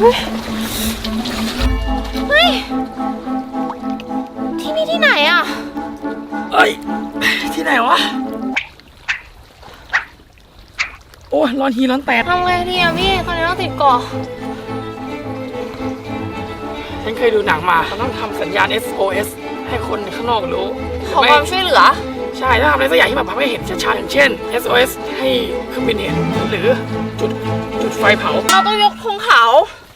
เฮ้ยที่นี่ที่ไหนอ่ะเอ้ยที่ไหนวะโอ้ยร้อนทีร้อนแตดทำไงดีอ่ะพี่ตอนนี้เราติดเกาะฉันเคยดูหนังมาเขาต้องทำสัญญาณ SOS ให้คนข้างนอกรู้ขอความช่วยเหลือใช่ถ้าทำอะไรสักอย่างที่แบบทำให้เห็นชัดๆอย่างเช่น SOS ให้เครื่องบินเห็นหรือจุดไฟเผาเราต้องยกธงขาว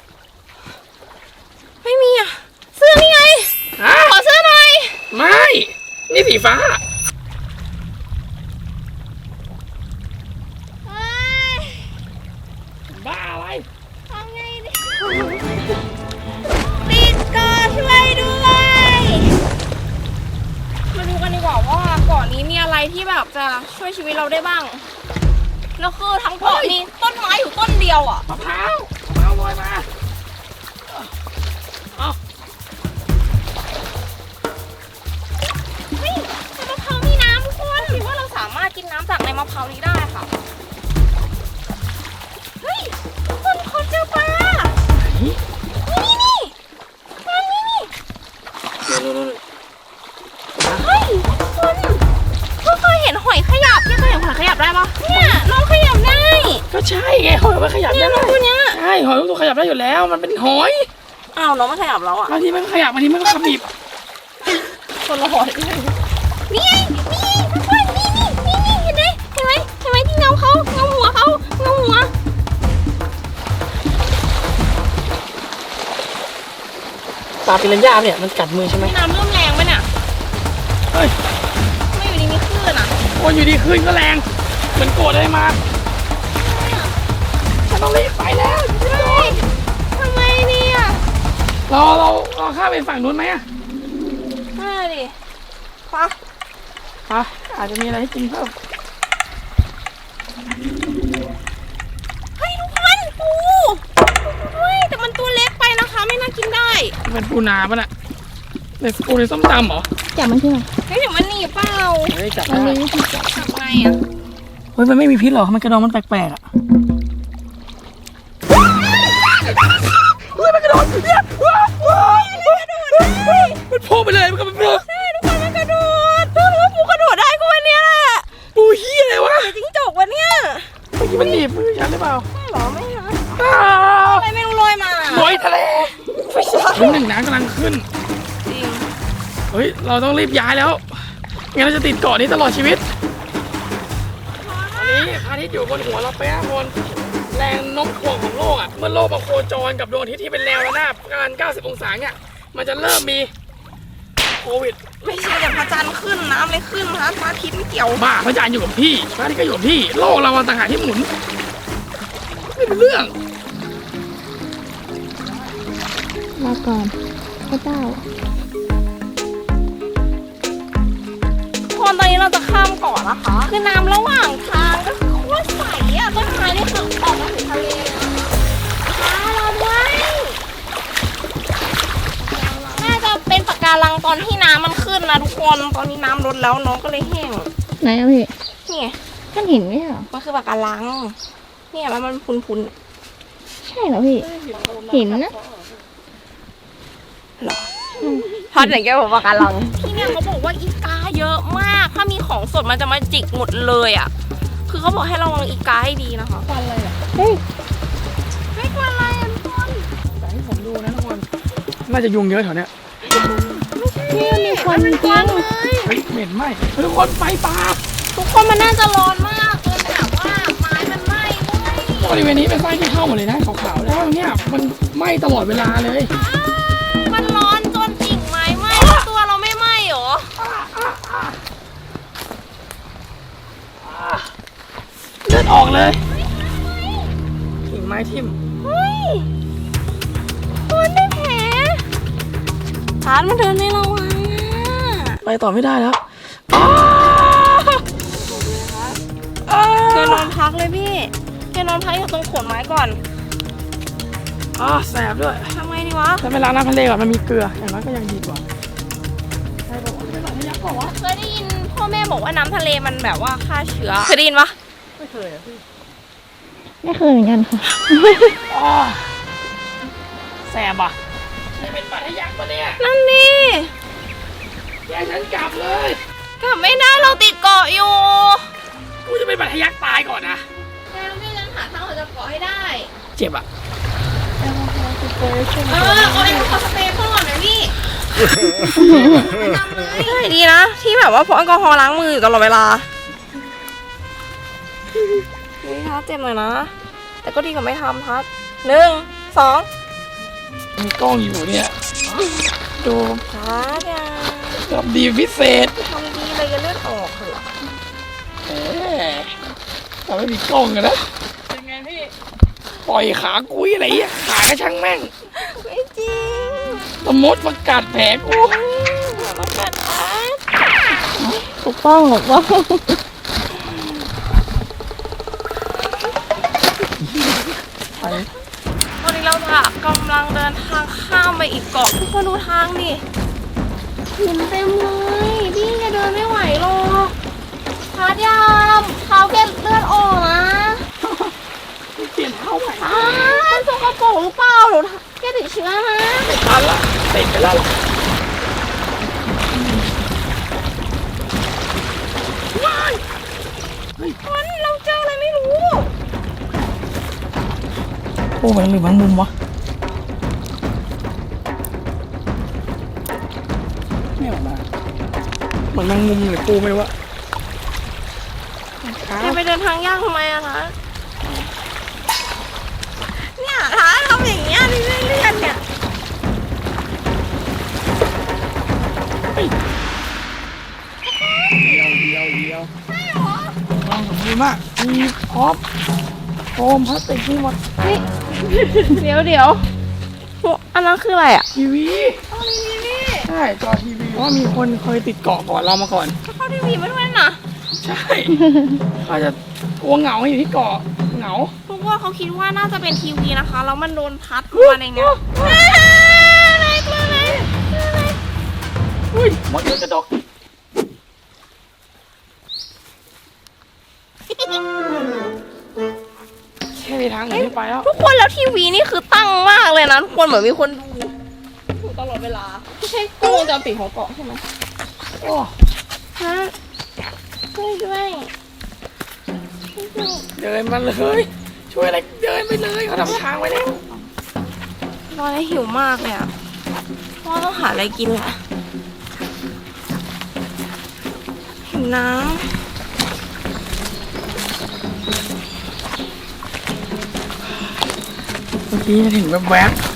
ไม่มีอ่ะเสื้อนี่ไงขอเสื้อหน่อยไม่นี่สีฟ้าบ้าอะไรทำไงดิติดเกาะช่วยด้วยมาดูกันดีกว่าว่าเกาะนี้มีอะไรที่แบบจะช่วยชีวิตเราได้บ้างแล้วคือทั้งเกาะมีต้นไม้อยู่ต้นเดียวอ่ะมะพร้าวลอยมาเอาเฮ้ยในมะพร้าวมีน้ำทุกคนคิดว่าเราสามารถกินน้ำจากในมะพร้าวนี้ได้ค่ะเฮ้ยคนเจอปลานี่ปลานี่เฮ้ยคุณเคยเห็นหอยขยับพี่เคยเห็นหอยขยับได้ปะเนี่ยน้องขยับได้ก็ใช่ไงหอยมันขยับได้ตัวเนี้ยใช่หอยตัวขยับได้อยู่แล้วมันเป็นหอยอ้าวน้องมันขยับแล้วอ่ะบางทีมันขยับบางทีมันก็ขมิบคนละหอยนี่ทุกคนนี่เห็นไหมที่เงาเขาเงาหัวปลาปิรันย่าเนี่ยมันกัดมือใช่ไหมน้ำเริ่มแรงไหมเนี่ยเฮ้ยไม่อยู่ดีมีคลื่นอ่ะโอ้ยอยู่ดีคลื่นก็แรงเหมือนโกรธอะไรมาฉันต้องรีบไปแล้วทำไมเนี่ยเราข้ามไปฝั่งนู้นไหมอ่ะได้ดิปะอาจจะมีอะไรให้กินเพิ่มเฮ้ยทุกคนปูเฮ้ยแต่มันตัวเล็กไปนะคะไม่น่ากินได้เป็นปูนาป่ะน่ะในปูในส้มตำเหรอจับมันใช่ไหมเฮ้ยเดี๋ยวมันหนีเปล่าไม่จับได้จับไงอ่ะเฮ้ยมันไม่มีพิษหรอมันกระดองมันแปลกๆอ่ะเฮ้ยมันกระโดดเนี่ยมันโผล่ไปเลยมันก็มันโผล่ใช่ทุกคนมันกระโดดตัวรู้ว่าปูกระโดดได้ก็วันนี้แหละปูเหี้ยอะไรวะจิ้งจกวันเนี้ยเมื่อกี้มันหนีบมือฉันหรือเปล่าไม่หรอไม่นะอะไรไม่รู้ลอยมาลอยทะเลน้ำหนึ่งน้ำกำลังขึ้นจริงเฮ้ยเราต้องรีบย้ายแล้วงั้นเราจะติดเกาะนี้ตลอดชีวิตตอนนี้พระอาทิตย์อยู่บนหัวเราเป๊ะบนแรงโน้มถ่วงของโลกอ่ะเมื่อโลกมาโคจรกับดวงอาทิตย์ที่เป็นแนวระนาบการ90องศาเนี่ยมันจะเริ่มมีโควิดไม่ใช่แต่พระจันทร์ขึ้นน้ำเลยขึ้นนะพระอาทิตย์ไม่เกี่ยวบ้าพระจันทร์อยู่กับพี่พระอาทิตย์ก็อยู่กับพี่โลกเราต่างหากที่หมุนไม่เป็นเรื่องลาก่อนพระเจ้าตอนนี้เราจะข้ามเกาะนะคะคือน้ำระหว่างทางก็คือโคตรใสอ่ะต้นไม้นี่คือออกมาถึงทะเลเราด้วยน่าจะเป็นปะการังตอนที่น้ำมันขึ้นนะทุกคนตอนนี้น้ำลดแล้วน้องก็เลยแห้งไหนอะพี่นี่ท่านเห็นไหมอ่ะมันคือปะการังเนี่ยแล้วมันพุนใช่เหรอพี่เห็นนะหรอพอดไหนแกบอกปะการังที่เนี่ยเขาบอกว่าอีกาเยอะมากถ้ามีของสดมันจะมาจิกหมดเลยอ่ะคือเขาบอกให้ระวังอีกาให้ดีนะคะควันอะไรอ่ะเฮ้ยไม่ควันอะไรอ่ะทุกคนแต่ให้ผมดูนะทุกคนน่าจะยุงเยอะแถวเนี้ยไม่ใช่มีควันจริงเฮ้ยเหม็นไหมทุกคนไฟป่าทุกคนมันน่าจะร้อนมากจนแบบว่าไม้มันไหม้บริเวณนี้เป็นไฟที่เข้าหมดเลยนะขาวๆแล้วเนี่ยมันไหม้ตลอดเวลาเลยมันร้อนจนกิ่งไม้ไหม้ตัวเราไม่ไหม้หรอเลือดออกเลยกิ่งไม้ทิ่มเฮ้ยมันได้แผลฐานมันเดินในระวังไปต่อไม่ได้แล้วแกนอนพักเลยพี่แกนอนพักอยู่ตรงโขดไม้ก่อนแสบด้วยทำไงดีวะถ้าเวลาน้ำทะเลก่อนมันมีเกลืออย่างน้อยก็ยังดีกว่าใช่บอกว่าเคยได้ยินพ่อแม่บอกว่าน้ำทะเลมันแบบว่าฆ่าเชื้อเคยได้ยินปะไม่เคยอ่ะพี่ไม่เคยเหมือนกันค่ะแสบอ่ะไม่เป็นปลาทะยักปะเนี่ยนั่นนี่แยกฉันกลับเลยกลับไม่ได้เราติดเกาะอยู่กูจะเป็นปลาทะยักตายก่อนนะแล้วพี่จะหาทางออกจากเกาะให้ได้เจ็บอ่ะเอาแอลกอฮอล์สเปรย์พ่อก่อนนะพี่ทำเลยใช่ดีนะ ที่แบบว่าพกแอลกอฮอล์ล้างมืออยู่ตลอดเวลานี่ทัดเจ็บหน่อยนะ แต่ก็ดีกว่าไม่ทำทัด1 2 มีกล้องอยู่เนี่ยดูทัดอย่ากับดีพิเศษทำดีเลยอย่าเลือดออกเถอะเอ๊ะแต่ไม่มีกล้องกันนะเป็นไงพี่ปล่อยขากุ้ยอะไรอ่ะขากระช่างแม่งไม่จริงสมมติประกาศแผลกูอย่ามากัดทัดถูกต้องถูกต้องตอนนี้เราจะกำลังเดินทางข้ามไปอีกเกาะทุกคนดูทางดิหินเต็มเลยพี่จะเดินไม่ไหวหรอกทัดยามเท้าแกเลือดออกนะเปลี่ยนเท้าใหม่สกปรกหรือเปล่าหรือแกติดเชื้อนะไม่ทันละติดไปแล้วว้ายมันเราเจออะไรไม่รู้โอ้มันหรือมันมุมวะไม่ออกมาเหมือนแมงมุมหรือปูไม่รู้อะแกไปเดินทางยากทำไมอะคะเนี่ยท้าทำอย่างเงี้ยเลื่อนๆเนี่ยเดียวลองผมดีมากมีพร็อพโฟมพลาสติกนี่หมดเดี๋ยวอันนั้นคืออะไรอะทีวีเอาทีวีใช่จอทีวีเพราะว่ามีคนเคยติดเกาะก่อนเรามาก่อนเข้าทีวีมาด้วยนะใช่เขาจะกลัวเหงาอยู่ที่เกาะเหงาพวกว่าเขาคิดว่าน่าจะเป็นทีวีนะคะแล้วมันโดนพัดมาในเนี้ยอะไรตัวไหนอุ้ยหมดเลยกระดกแค่มีทางหนีไม่ไปแล้วทุกคนแล้วทีวีนี่คือตั้งมากเลยนะทุกคนเหมือนมีคนดูอยู่ตลอดเวลาไม่ใช่กล้องวงจรปิดของเกาะใช่ไหมโอ้ฮะช่วยด้วยเดินมาเลย ช่วยอะไรเดินไปเลยเขาทำทางไว้แล้วตอนนี้หิวมากเลยอ่ะพ่อต้องหาอะไรกินแหละหิวน้เมื่อกี้เห็นแวบๆ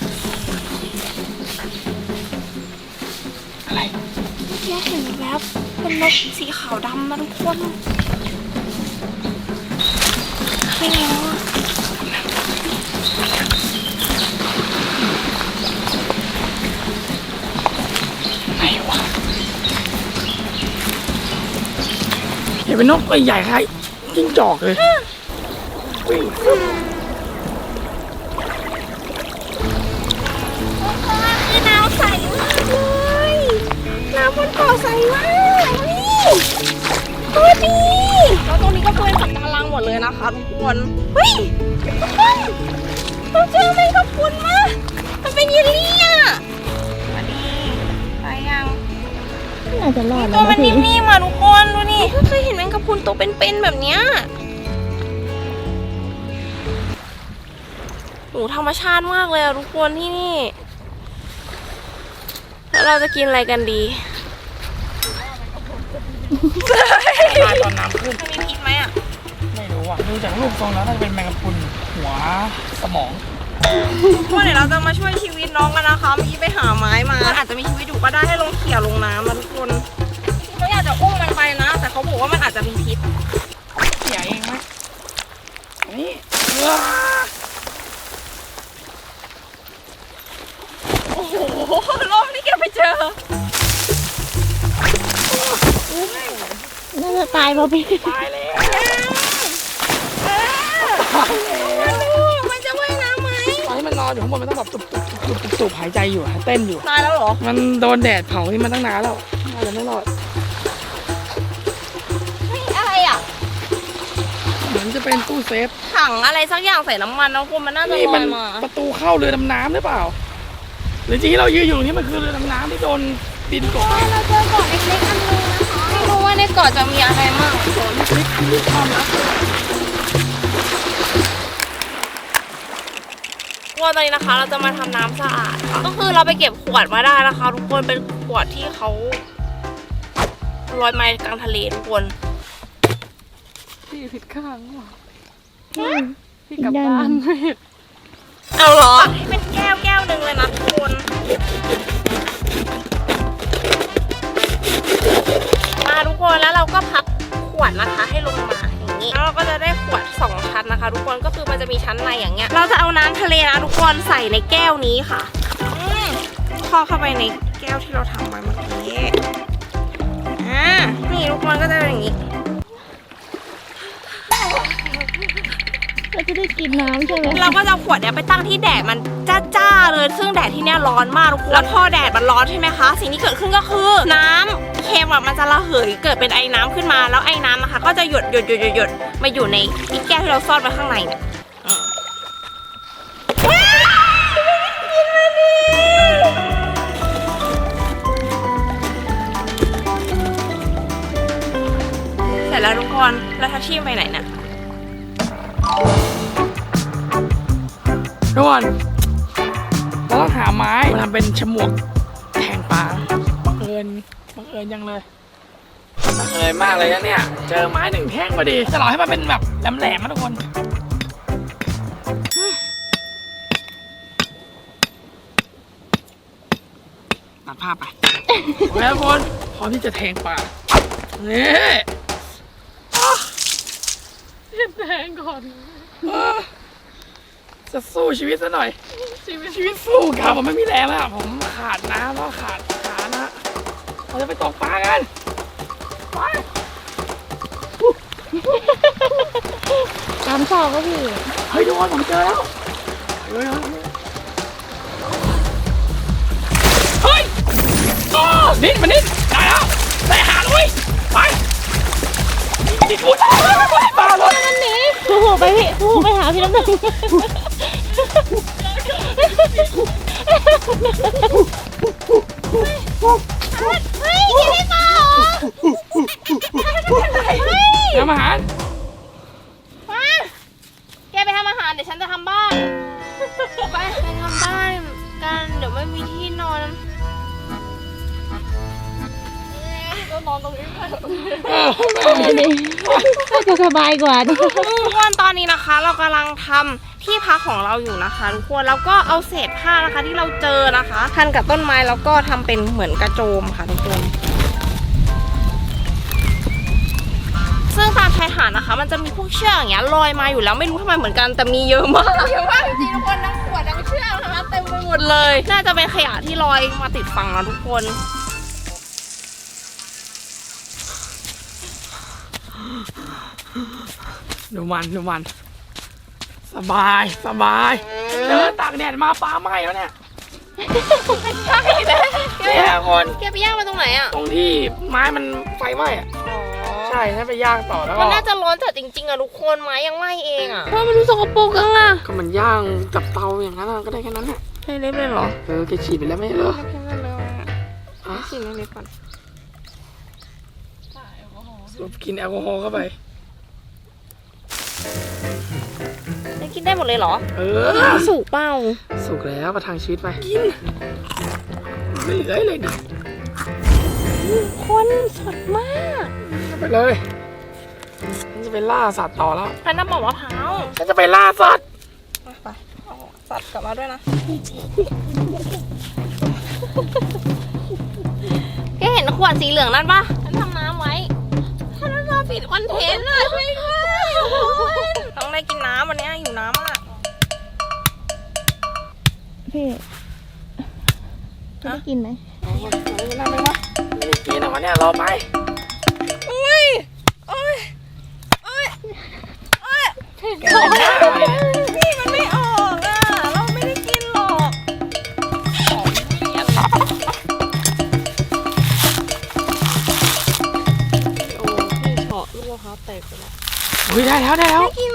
อะไรำแค่เห็นแวบเป็นนกสีขาวดำนะทุกคนไม่แล้วอะไหนวะเห็นเป็นนกตัวใหญ่คล้ายจิ้งจอกเลยวิ่งคือน้ำใสมากเลยน้ำบนเกาะใสมากนี่โคตรดีแล้วตรงนี้ก็เป็นสัตว์กำลังหมดเลยนะคะทุกคนเฮ้ยทุกคนเราเจอแมงกะพรุนมามันเป็นเยลลี่อ่ะมาดีไปยังน่าจะรอดตัแล้ว วมันนะพี่นิ่มๆอ่ะทุกคนดูนี่เพิ่งเคยเห็นแมงกะพรุนตัวเป็นๆแบบเนี้ยโอ้ธรรมชาติมากเลยอ่ะทุกคนที่นี่แล้วเราจะกินอะไรกันดีตายตอนน้ำขึ้นมันมีพิษไหมอ่ะไม่รู้อ่ะดูจากรูปทรงแล้วน่าจะเป็นแมงกะพรุนหัวสมองพวกเดี๋ยวเราจะมาช่วยชีวิตน้องกันนะคะเมื่อกี้ไปหาไม้มาอาจจะมีชีวิตอยู่ก็ได้ให้ลงเขี่ยลงน้ำนะทุกคนเขาอยากจะอุ้มมันไปนะ แต่เขาบอกว่ามันอาจจะมีพิษเขี่ยเองไหมนี่โอ้โหรอบนี้แกไปเจอน่าจะตายเพราะพี่ตายแล้วมันจะว่ายน้ำไหมตอนที่มันนอนอยู่ข้างบนมันต้องแบบตุบหายใจอยู่อะเต้นอยู่ตายแล้วเหรอมันโดนแดดเผาที่มันตั้งนานแล้วน่าจะไม่รอดเฮ้ยอะไรอ่ะเหมือนนี่จะเป็นตู้เซฟถังอะไรสักอย่างใส่น้ำมันน้องคุณมันน่าจะนี่ลมัอน ยมาประตูเข้าเรือดำน้ำหรือเปล่า หรือจริงที่เรายืนอยู่ตรงนี้มันคือเรือดำน้ำที่โดนดินกดเราเจอเกาะเล็กๆอันนึงนะคะไม่รู้ว่าในเกาะจะมีอะไรมั่งนี่คือความลับว่าตอนนี้นะคะเราจะมาทำน้ำสะอาดค่ะก็คือเราไปเก็บขวดมาได้นะคะทุกคนเป็นขวดที่เขาลอยมากลางทะเลทุกคนพี่ผิดข้างว่ะพี่กลับบ้านเอาเหรอให้เป็นแก้วหนึ่งเลยนะทุกคนมาทุกคนแล้วเราก็พับขวดนะคะให้ลงมาอย่างนี้แล้วเราก็จะได้ขวด2ชั้นนะคะ ทุกคนก็คือมันจะมีชั้นในอย่างเงี้ยเราจะเอาน้ำทะเลนะทุกคนใส่ในแก้วนี้ค่ะพอกเข้าไปในแก้วที่เราทำไว้เมื่อกี้นี่ทุกคนก็จะเป็นอย่างนี้เราจะได้กินน้ำใช่ไหมเราก็จะเอาขวดเนี้ยไปตั้งที่แดดมันจ้าๆเลยซึ่งแดดที่เนี้ยร้อนมากทุกคนแล้วพอแดดมันร้อนใช่ไหมคะสิ่งที่เกิดขึ้นก็คือน้ำเค็มอะมันจะระเหยเกิดเป็นไอ้น้ำขึ้นมาแล้วไอ้น้ำนะคะก็จะหยดมาอยู่ในอีแก้วที่เราซ่อนไว้ข้างในเนี่ยเสร็จแล้วทุกคนแล้วทัชชี่ไปไหนเนี่ยทุกคนเราต้องหาไม้มาทำเป็นฉมวกแทงปลาบังเอิญยังเลยบังเอิญมากเลยนะเนี่ยเจอไม้1 แท่งพอดีจะหล่อให้มันเป็นแบบแหลมๆนะทุกคนตัดภาพไปแล้วทุกคนพร้อมที่จะแทงปลานี่แทงก่อนจะสู้ชีวิตซะหน่อยชีวิตสู้ครับผมไม่มีแรงแล้วผมขาดน้ำแล้วขาดขานะเราจะไปตกปลากันไปตามชอบก็พี่เฮ้ยทุกคนผมเจอแล้วเฮ้ยโอ้นิดมานิดได้แล้วได้หาเลยไปนี่พูดได้ปลาเลยนั่นนี่โอ้โหไปพี่โอ้โหไปหาพี่น้ำหนึ่งเฮ้ยกินได้เปล่าทำอาหารมาแกไปทำอาหารเดี๋ยวฉันจะทำบ้าน ไปทำบ้านกันเดี๋ยวไม่มีที่นอนก็นอนตรงนี้ไปอันนี้น่าจะสบายกว่านี่ทุกคนตอนนี้นะคะ เรากำลังทำที่พักของเราอยู่นะคะทุกคนแล้วก็เอาเศษผ้านะคะที่เราเจอนะคะพันกับต้นไม้แล้วก็ทำเป็นเหมือนกระโจมค่ะทุกคนซึ่งตามชายหาดนะคะมันจะมีพวกเชือกอย่างเงี้ยลอยมาอยู่แล้วไม่รู้ทำไมเหมือนกันแต่มีเยอะมากเยอะมากจริงๆทุกคนทั้งขวดทั้งเชือกนะคะเต็มไปหมดเลยน่าจะเป็นขยะที่ลอยมาติดฝั่งนะทุกคนดูมันสบายเดินตากแดดมาปลาไหม้แล้วเนี่ยใช่เลยเนี่ยคนแกไปย่างมาตรงไหนอ่ะตรงที่ไม้มันไฟไหม้อะใช่ถ้าไปย่างต่อแล้วก็มันน่าจะร้อนจัดจริงๆอะทุกคนไม้ยังไหม้เองอะเพราะมันดูสกปรกจังอะก็มันย่างกับเตาอย่างนั้นอะก็ได้แค่นั้นแหละให้เล็บเลยเหรอแกฉีดไปแล้วไม่ใช่เหรอแค่นั้นเลยอะฉีดเล็บก่อนสูบกินแอลกอฮอล์เข้าไปจะกินได้หมดเลยเหรอ สุกเปล่าสุกแล้วประทังชีวิตไปกินไม่เหลือเลยดิคนสดมากไปเลยฉันจะไปล่าสัตว์ต่อแล้วพันน้ำบอกมะพร้าวฉันจะไปล่าสัตว์ไปเอาสัตว์กลับมาด้วยนะแกเห็นขวดสีเหลืองนั่นปะฉันทำน้ำไว้ฉันมาปิดคอนเทนต์เลยช่วยด้วยต้องได้กินน้ำวันนี้หิวน้ำมากพี่จะได้กินไหมไม่ได้กินนะวันนี้รอไปอุ้ยโอ้ยพี่มันไม่ออกอ่ะเราไม่ได้กินหรอกโอ้พี่เฉาะลูกมะพร้าวแตกไปแล้วอุ้ยได้แล้วกิน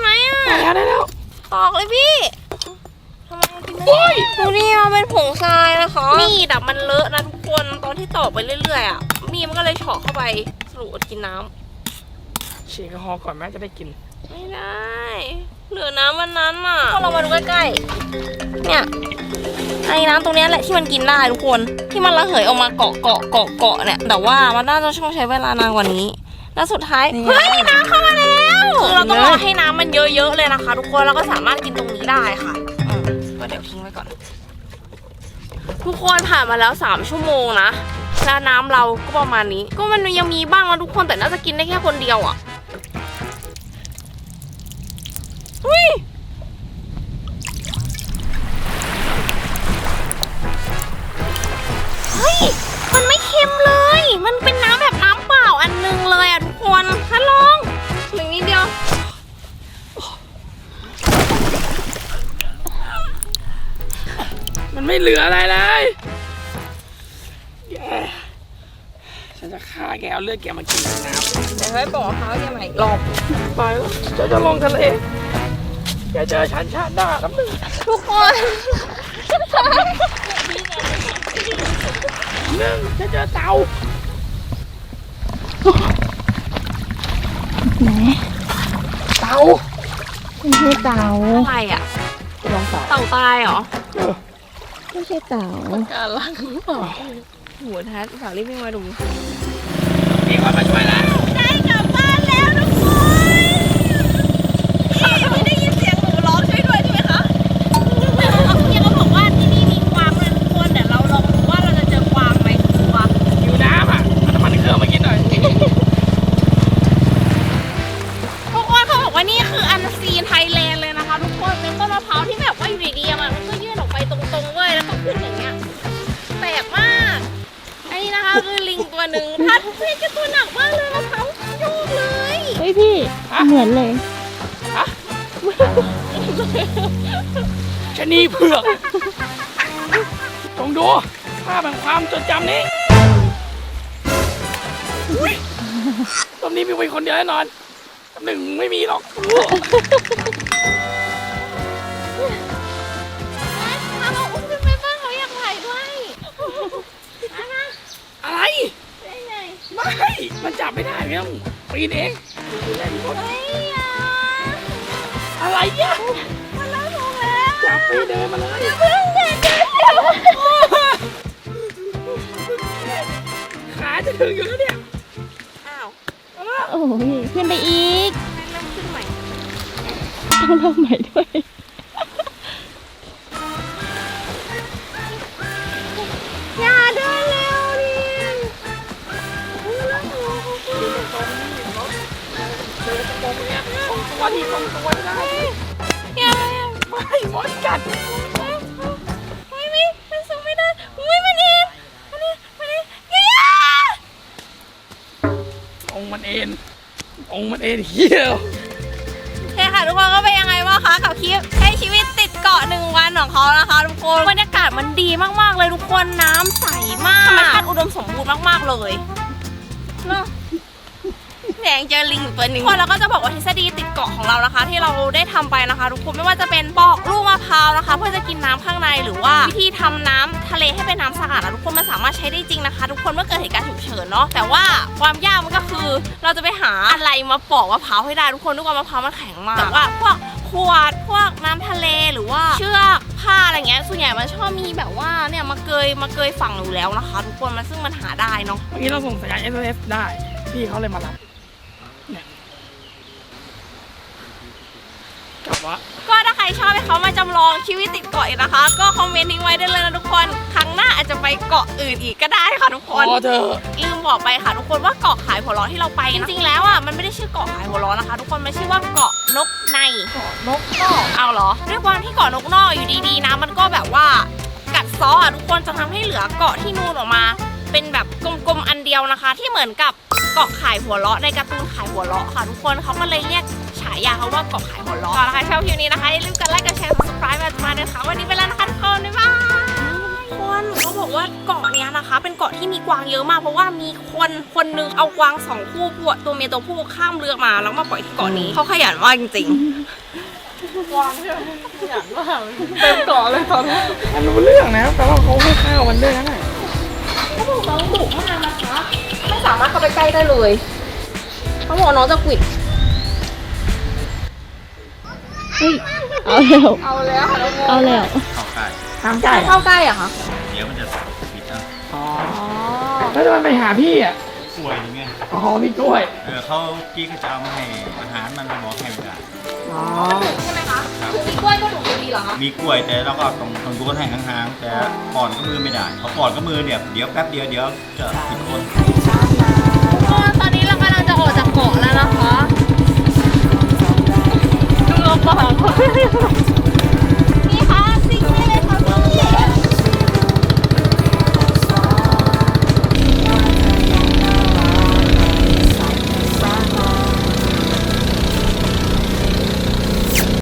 ตอกเลยพี่ทำไมกินไม่ได้ดูนี่มันเป็นผงทรายนะคะมีดอะมันเลอะนะทุกคนตอนที่ตอกไปเรื่อยๆอะมีดมันก็เลยเฉาะเข้าไปสรุปอดกินน้ำฉีกแอลกอฮอล์ก่อนแม่จะได้กินไม่ได้เหลือน้ำวันนั้นอ่ะพอเรามาดูใกล้ๆเนี่ยไอ้น้ำตรงนี้แหละที่มันกินได้ทุกคนที่มันระเหยออกมาเกาะเนี่ยแต่ว่ามันน่าจะต้องใช้เวลานานกว่านี้แล้วสุดท้ายเฮ้ยน้ำเข้ามาแล้วคือเราต้องรอให้น้ำมันเยอะๆเลยนะคะ ทุกคนแล้วก็สามารถกินตรงนี้ได้ค่ะก็เดี๋ยวทิ้งไว้ก่อนทุกคนผ่านมาแล้ว3 ชั่วโมงนะแล้วน้ำเราก็ประมาณนี้ก็มันยังมีบ้างนะทุกคนแต่น่าจะกินได้แค่คนเดียวอ่ะอุ้ยเฮ้ยมันไม่เค็มเลยมันเป็นน้ำแบบน้ำเปล่าอันนึงเลยอ่ะทุกคนถ้าลองหนึ่งนิดเดียวมันไม่เหลืออะไรเลยแกฉันจะฆ่าแกเอาเลือดแกมากินน้ำเดี๋ยวให้ปอกมะพร้าวแกใหม่อีกรอบไปแล้วฉันจะลงทะเลแกเจอฉันชาติหน้าครับนึงทุกคนฉันเจอเต่าไหนเต่าไม่ใช่เต่าอะไรอ่ะลองเต่าเต่าตายเหรอไม่ใช่เต่าการล้างหรือเปล่าหัวทัดฝากรีบวิ่งมาดูมีคนมาช่วยแล้วได้กลับบ้านแล้วทุกคนไม่ได้ยินเสียงหนูร้องช่วยด้วยใช่ไหมคะพี่เขาบอกว่าที่นี่มีกวางเลยทุกคนเดี๋ยวเราลองดูว่าเราจะเจอกวางไหมตัวอยู่น้ำอ่ะน้ำมันเครื่องมากินหน่อยทุกคนเขาบอกว่านี่คืออันซีนไทยแลนด์เลยนะคะทุกคนเป็นต้นมะพร้าวที่แบบว่าอยู่ดีๆมันก็ยื่นออกไปตรงๆเว้ยแล้วก็ขึ้นอย่างเงี้ยแปลกมากอันนี้นะคะคือลิงตัวหนึ่งทัดเพื่อนจะตัวหนักมากเลยมะพร้าวโยกเลยเฮ้ยพี่เหมือนเลยชะนีเผือกจงดูภาพแห่งความจดจำนี้อุ๊ยตอนนี้มีคนเดียวแน่นอนหนึ่งไม่มีหรอกถ้าเราอุ้มขึ้นไปบ้างเขาอยากถ่ายด้วยอะไรได้ไงไม่ มันจับไม่ได้เนี่ยปีนเองเล่นรถเฮ้ยอ่ะอะไรเนี่ยมันเล่าถูกแล้วจับไปเดินมาเลยเพิ่งเด็กเดียวขาจะถึงอยู่แล้วเนี่ยอ้าวโอ้ยขึ้นไปอีกเริ่มขึ้นใหม่ต้องเริ่มใหม่ด้วยอย่าเดินเร็วดิเดินตรงนี้ตรงตัวที่ตรงตัวได้อย่าไม่มดกัดไม่มันสูงไม่ได้อุ้ยมันเอ็นอย่าองมันเอ็นเหี้ยโอเคค่ะทุกคนก็เป็นยังไงบ้างคะกับคลิปใช้ชีวิตติดเกาะ1 วันของเขานะคะทุกคนบรรยากาศมันดีมากๆเลยทุกคนน้ำใสมากธรรมชาติอุดมสมบูรณ์มากๆเลยเนาะแดงเจอลิงอยู่ตัวหนึ่งคนเราก็จะบอกว่าทฤษฎีติดเกาะของเรานะคะ ที่เราได้ทำไปนะคะทุกคนไม่ว่าจะเป็นปอกลูกมะพร้าวนะคะ เพื่อจะกินน้ำข้างในหรือว่าวิธีทำน้ำทะเลให้เป็นน้ำสะอาดนะทุกคนมันสามารถใช้ได้จริงนะคะ ทุกคนเมื่อเกิดเหตุการณ์ฉุกเฉินเนาะแต่ว่าความยากมันก็คือเราจะไปหาอะไรมาปอกมะพร้าวให้ได้ทุกคนด้วยความมะพร้าวมันแข็งมากแต่ว่าพวกขวดพวกน้ำทะเลหรือว่าเชือกผ้าอะไรเงี้ยส่วนใหญ่มันชอบมีแบบว่าเนี่ยมาเกยฝั่งอยู่แล้วนะคะ ทุกคนมันซึ่งมันหาได้เนาะเมื่อกี้เราส่งสัญญาณ SOS ได้ พี่เขาเลยมารับเนี่ยกลับวะก็ถ้าใครชอบให้เขามาจำลองชีวิตติดเกาะอีกนะคะ ก็คอมเมนต์ทิ้งไว้ได้เลยนะทุกคนครั้งหน้าอาจจะไปเกาะอื่นอีกก็ได้ค่ะทุกคนพอเถอะลืมบอกไปค่ะทุกคนว่าเกาะขายหัวเราะที่เราไปจริงๆแล้วอ่ะมันไม่ได้ชื่อเกาะขายหัวเราะนะคะ ทุกคนมันชื่อว่าเกาะนกในเกาะนกนอกเอาเหรอด้วยความที่เกาะนกนอกอยู่ดีๆนะมันก็แบบว่ากัดซ้ออ่ะทุกคนจะทำให้เหลือเกาะที่นูนออกมา เป็นแบบกลมๆอันเดียวนะคะ ที่เหมือนกับเกาะขายหัวเราะในการ์ตูนขายหัวเราะค่ะทุกคนเขาก็เลยเรียกฉายาเขาว่าเกาะขายหัวเราะถ้าใครชอบคลิปนี้นะคะอย่าลืมกดไลค์กดแชร์ subscribe มาด้วยค่ะวันนี้ไปแล้วนะคะทุกคนบ๊ายบายทุกคนเขาบอกว่าเกาะเนี้ยนะคะ เป็นเกาะที่มีกวางเยอะมากเพราะว่ามีคนนึงเอากวาง2 คู่ตัวเมียตัวผู้ข้ามเรือมาแล้วมาปล่อยที่เกาะนี้เขาขยันมากจริงๆวางใช่ไหมขยันมากเต็มเกาะเลยตอนนี้มันรู้เรื่องนะแต่ว่าเขาให้ข้าวมันด้วยนะเขาบอกน้องดุมากนะคะไม่สามารถเข้าไปใกล้ได้เลยเขาบอกน้องจะกวิดเฮ้ยเอาแล้วเอาแล้วค่ะน้องโมเอาแล้วเข้าใกล้ห้ามใกล้เข้าใกล้อะคะเดี๋ยวมันจะผิดอ่ะอ๋อแล้วจะมันไปหาพี่อ่ะกล้วยอย่างเงี้ยอ๋อพี่กล้วยเขากี้ก็จะเอามาให้อาหารมันไปบอกให้ไม่ได้อ๋อใช่ไหมคะคือมีกล้วยก็ดุดีเหรอคะมีกล้วยแต่เราก็ต้องดูกันให้ห่างๆแต่ปอนก็มือไม่ได้เขาปอนก็มือเนี่ยเดี๋ยวแป๊บเดียวจะผิดคนตอนนี้เรากำลังจะออกจากเกาะแล้วนะคะดูลำบาก